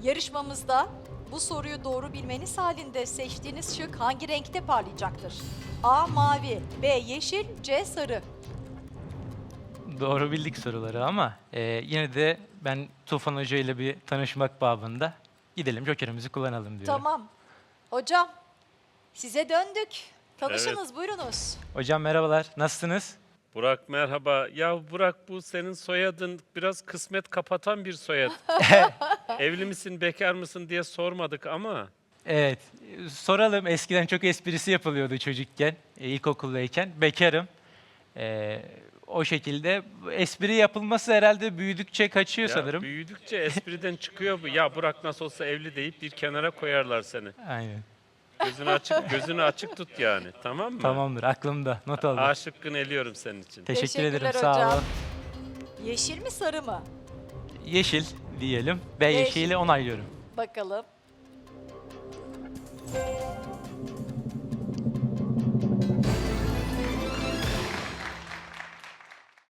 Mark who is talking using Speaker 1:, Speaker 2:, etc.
Speaker 1: Yarışmamızda bu soruyu doğru bilmeniz halinde seçtiğiniz şık hangi renkte parlayacaktır? A. Mavi, B. Yeşil, C. Sarı.
Speaker 2: Doğru bildik soruları ama yine de ben Tufan Hoca ile bir tanışmak babında gidelim jokerimizi kullanalım diyorum.
Speaker 1: Tamam. Hocam, size döndük. Tanışınız, buyurunuz.
Speaker 2: Hocam merhabalar, nasılsınız?
Speaker 3: Burak merhaba. Ya Burak, bu senin soyadın biraz kısmet kapatan bir soyad. Evli misin, bekar mısın diye sormadık ama
Speaker 2: Evet, soralım. Eskiden çok esprisi yapılıyordu çocukken, ilkokuldayken. Bekarım. O şekilde espri yapılması herhalde büyüdükçe kaçıyor
Speaker 3: ya
Speaker 2: sanırım.
Speaker 3: büyüdükçe espriden çıkıyor bu. Ya Burak nasıl olsa evli deyip bir kenara koyarlar seni.
Speaker 2: Aynen.
Speaker 3: Gözünü açık tut yani. Tamam mı?
Speaker 2: Tamamdır, aklımda. Not aldım.
Speaker 3: A şıkkını eliyorum senin için.
Speaker 2: Teşekkür ederim,
Speaker 1: Teşekkürler
Speaker 2: sağ
Speaker 1: hocam.
Speaker 2: olun.
Speaker 1: Yeşil mi, sarı mı?
Speaker 2: Yeşil diyelim. B
Speaker 1: Yeşil.
Speaker 2: yeşili onaylıyorum.
Speaker 1: Bakalım.